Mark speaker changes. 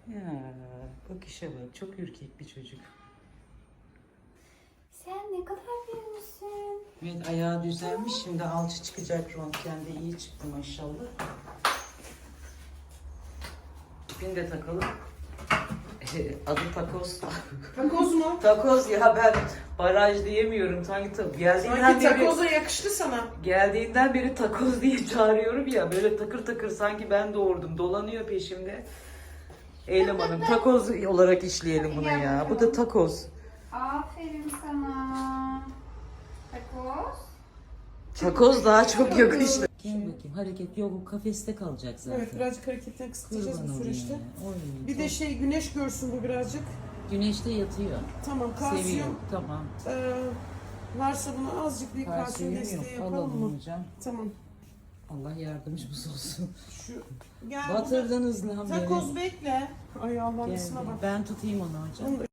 Speaker 1: Ya bak işe bak, çok ürkek bir çocuk.
Speaker 2: Sen ne kadar büyümüşsün.
Speaker 1: Evet, ayağı düzelmiş, şimdi alçı çıkacak, röntgende iyi çıktı maşallah. İpini de takalım. Adı takoz.
Speaker 3: Takoz mu?
Speaker 1: Takoz ya, ben baraj diyemiyorum. Geldiğinden
Speaker 3: Sanki
Speaker 1: beri,
Speaker 3: takoza yakıştı sana.
Speaker 1: geldiğinden beri takoz diye çağırıyorum ya. Böyle takır takır, sanki ben doğurdum. Dolanıyor peşimde. Eylem Hanım, takoz olarak işleyelim bunu ya. Bu da takoz.
Speaker 2: Aferin sana. Takoz.
Speaker 1: Takoz daha çok yakıştı. Gel bakayım, hareket yok, o kafeste kalacak zaten.
Speaker 3: Evet, birazcık hareketini kısıtlayacağız
Speaker 1: Kurban
Speaker 3: bu
Speaker 1: olayım
Speaker 3: süreçte.
Speaker 1: ya. Oy,
Speaker 3: Bir de güneş görsün bu birazcık.
Speaker 1: güneşte yatıyor.
Speaker 3: Tamam,
Speaker 1: Seviyor.
Speaker 3: kalsiyum.
Speaker 1: Tamam.
Speaker 3: Varsa buna azıcık bir kalsiyum
Speaker 1: Kalsiyum
Speaker 3: desteği
Speaker 1: yok.
Speaker 3: yapalım mı?
Speaker 1: Alalım hocam.
Speaker 3: Tamam.
Speaker 1: Allah yardımcımız olsun.
Speaker 3: Şu gel.
Speaker 1: Batırdınız lan beni.
Speaker 3: Takoz bekle. Ay Allah'ım,
Speaker 1: Gel,
Speaker 3: ısına
Speaker 1: gel.
Speaker 3: bak.
Speaker 1: Ben tutayım onu hocam.
Speaker 3: Onu da